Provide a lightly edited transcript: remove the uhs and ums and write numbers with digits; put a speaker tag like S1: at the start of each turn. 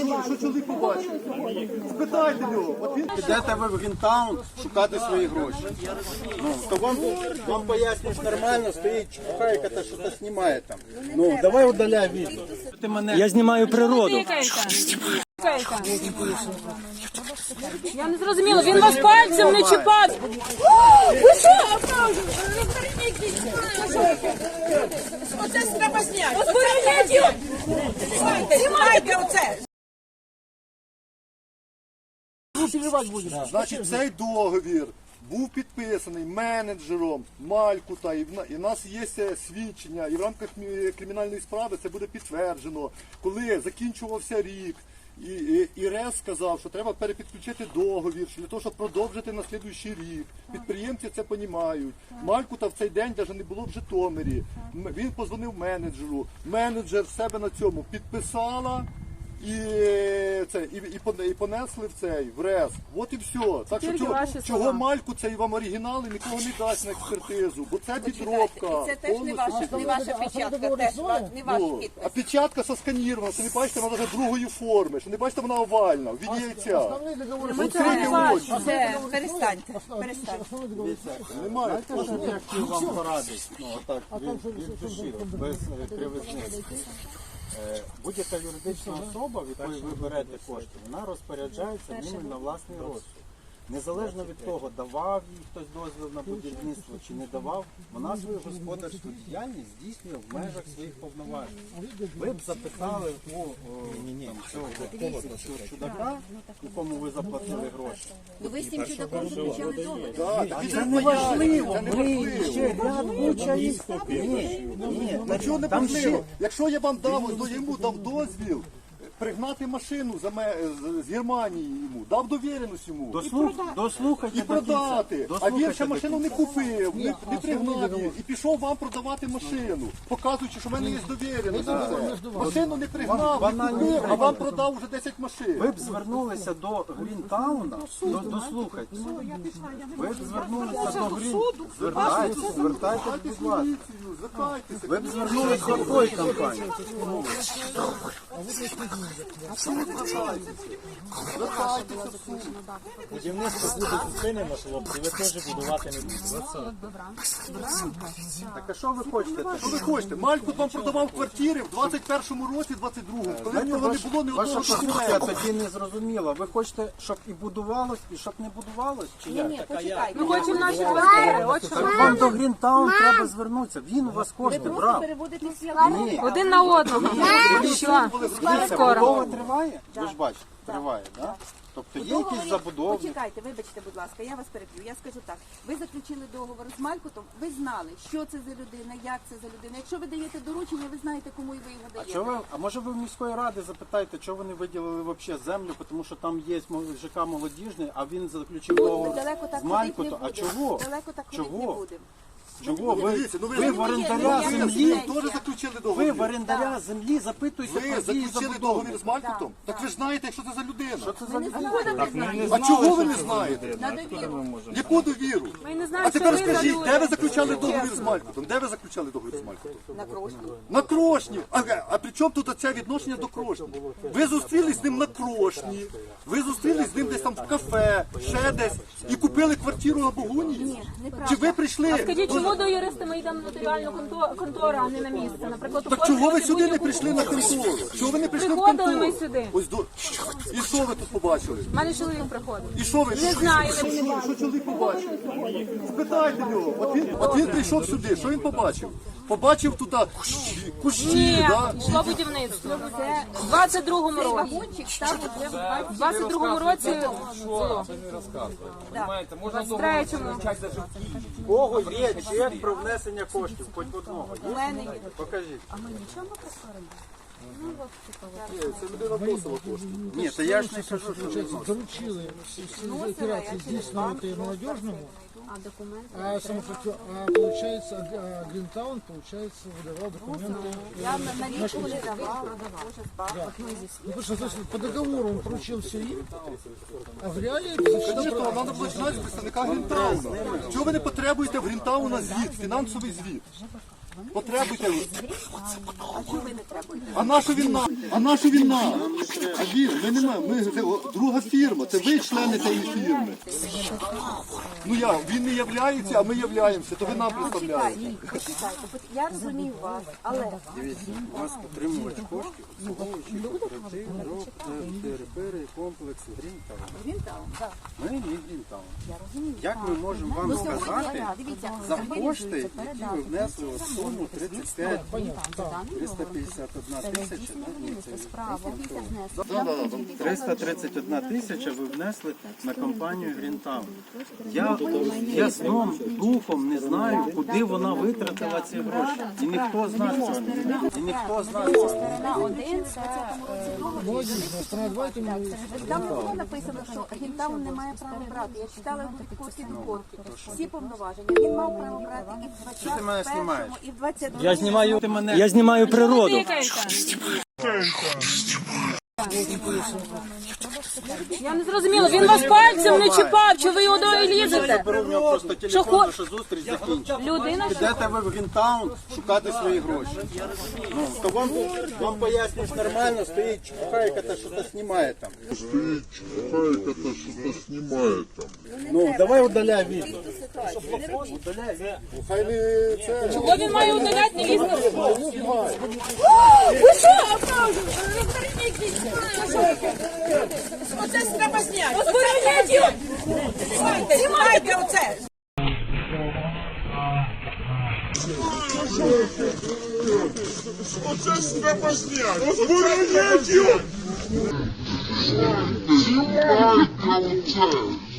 S1: що чоловік побачив. Спитайте його. От він...
S2: Підете ви в Грінтаун шукати свої гроші. Ну, то вам пояснюєш нормально, стоїть чепуха, яка та щось знімає там. Ну, давай удаляй відео. Ти мене...
S3: Я знімаю природу.
S4: Я не зрозуміла, він вас пальцем не чіпав. Ви що? Оце треба зняти. Озбороніть його! Знімайте оце!
S1: Значить, цей договір був підписаний менеджером Малькута, і в нас є свідчення, і в рамках кримінальної справи це буде підтверджено. Коли закінчувався рік, і РЕС сказав, що треба перепідключити договір, для того, щоб продовжити на слідуючий рік. Підприємці це розуміють. Малькута в цей день навіть не було в Житомирі. Він позвонив менеджеру. Менеджер в себе на цьому підписала. І понесли в РЕС. От і все. Так що чого Мальку цей вам оригінали нікого не дасть на експертизу, бо це підробка.
S5: Це теж не ваша печатка, теж не ваш підпис.
S1: А печатка сосканірована, що не бачите, вона навіть другої форми, що не бачите, вона овальна, в віді яйця.
S5: Перестаньте.
S1: Немає.
S2: Я хотів вам порадити, отак, без кривизниці. Будь-яка юридична особа, від якої ви берете кошти, вона розпоряджається ними на власний розсуд. Незалежно від того, давав їй хтось дозвіл на будівництво чи не давав, вона свою господарську діяльність здійснює в межах своїх повноважень. Ви б запитали у цього чудака, якому ви заплатили гроші.
S5: Ви з цим чудаком заключали договір.
S2: Це не важливо, ми ще ряд куча їх. Ні,
S1: Чого не важливо? Якщо я вам йому дав дозвіл пригнати машину з Германії йому, дав довіреність йому.
S2: Дослухайте
S1: І продати. А він ще машину не купив, не пригнав її. І пішов вам продавати машину, показуючи, що в мене є довіреність. Машину не пригнав, не купив, а вам продав вже 10 машин.
S2: Ви б звернулися до Грінтауна, дослухайте. Ви б звернулися до Грінтауна. Звертайтесь, будь ласка. Ви б звернулися до такої компанії.
S3: Будівництво буде зупинено, хлопці, ви теж будувати не будете.
S2: Так а що ви хочете?
S1: Що ви хочете? Мальку вам продавав квартири в 21-му році, 22-му, коли в нього не було ні одного
S2: Ваша позиція
S1: документу.
S2: тоді не зрозуміла. Ви хочете, щоб і будувалось, і щоб не будувалось? Чи як?
S5: Ні, почекайте.
S4: Ми хочемо наші квартири. От що.
S2: Так вам до Грінтаун треба звернутися. Він у вас кошти брав. Ні.
S4: Один на одного. Що? Скоро.
S2: Будова триває? Ви ж бачите, триває, так? Тобто є якісь забудови.
S5: Почекайте, вибачте, будь ласка, я вас переб'ю. Я скажу так. Ви заключили договор з Малькутом, ви знали, що це за людина, як це за людина. Якщо ви даєте доручення, ви знаєте, кому і ви його даєте.
S2: А може ви в міської ради запитаєте, чого вони виділили взагалі землю, тому що там є ЖК молодіжний, а він заключив договор
S5: Далеко так
S2: з
S5: ходити не
S2: Малькутом. А
S5: будемо.
S2: чого?
S5: Далеко так ходити не будемо.
S2: Чого? Ви в орендаря
S1: Ви
S2: землі,
S1: теж заключили
S2: ви
S1: договір.
S2: в орендаря землі запитуєте
S1: Ви
S2: про дії
S1: заключили
S2: забудови.
S1: договір з Малькутом? Так ви ж знаєте, що це за людина.
S2: Що це за людина?
S1: А чого ви не знаєте?
S5: На довіру.
S1: Яку довіру?
S4: Ми не знаємо,
S1: А тепер
S4: що ви
S1: скажіть,
S4: за
S1: де ви
S4: люди.
S1: заключали договір з Малькутом? Де ви заключали договір з Малькутом?
S5: На Крошні.
S1: На Крошні. А при чому тут це відношення до Крошні? Ви зустрілись з ним на Крошні, ви зустрілись з ним десь там в кафе, ще десь, і купили квартиру на Богуні?
S5: Ні, неправда.
S1: Чи ви прийшли?
S4: Скажіть, чому до юриста ми йдемо в нотаріальну контору, а не на місце? Наприклад,
S1: Так чого ви сюди не прийшли на контору? Чого ви не прийшли в
S4: Приходили
S1: контору?
S4: ми сюди.
S1: Ось і що ви тут побачили?
S4: У мене чоловік приходив.
S1: І що ви?
S4: Не знаю,
S1: Що чоловік побачив? Спитайте його. От він прийшов сюди, що він побачив? Побачив тут кущі,
S4: Ні,
S1: да?
S4: йшло будівництво. Це в 22-му році.
S5: Вагончик став уже в
S4: В 22-му році було. В 23-му.
S2: У кого є чек про внесення коштів? Хоч одного.
S5: У мене є.
S2: Покажіть.
S1: Це людина вносила кошти.
S2: Ні, то я ж не кажу, що ви
S6: Доручили все операции здійснювати молодежному, получается, Гринтаун, получается, выдавал документы.
S5: Я налічку не давала.
S6: Ну, потому что, то есть, по договору он поручил все им, а в реале
S1: Звісно, нам треба починати з представника Грінтауна. Чого ви не потребуєте в Грінтауна звіт, фінансовий звіт? Потребуйте.
S5: А чого ви не требуєте?
S1: А нашу він нам? А нашу він нам? А він, ми не маємо. Ми це друга фірма, це ви члени цієї фірми. Ну як, він не являється, а ми являємося, то ви нам представляєте.
S5: Почекайте, я розумію вас, але
S2: Дивіться, у вас отримувач коштів, обслуговуючий кооператив, комплекс Грінтаун.
S5: Грінтаун, так,
S2: Ми не Грінтаун.
S5: я розумію.
S2: Як ми можемо вам сказати
S5: Дивіться,
S2: за кошти, які ви внесли у суму 35 351 тисяча? Ні, це 331 тисяча ви внесли на компанію Грінтаун. Я сном, духом не знаю, куди вона витратила ці гроші. І ніхто з нас цього не знає. І ніхто з нас цього не знає.
S5: на один там не було написано, що Грінтаун не має права брати. Я читала в курсі корки. Всі повноваження. Він мав право брати і в
S2: ти мене
S5: 21-му,
S2: знімаєш?
S5: і в 22-му.
S3: Я знімаю природу.
S4: Я не зрозуміла, він вас пальцем не чіпав, чи ви його до лізете?
S2: Беру в нього просто телефон, що зустріч закінчиться.
S4: Людина, що
S2: Підете ви в Грінтаун шукати свої гроші. Ну, то вам пояснюєш нормально, стоїть чухайка, та що-то знімає там. Ну, давай удаляй відео.
S1: Хай не це.
S4: чого він має удаляти, не лізти?
S7: Оце треба зняти.
S4: Озбороняйте його!
S7: Знімайте оце.
S8: Оце ж треба зняти! Озборонять його! Знімайте оце!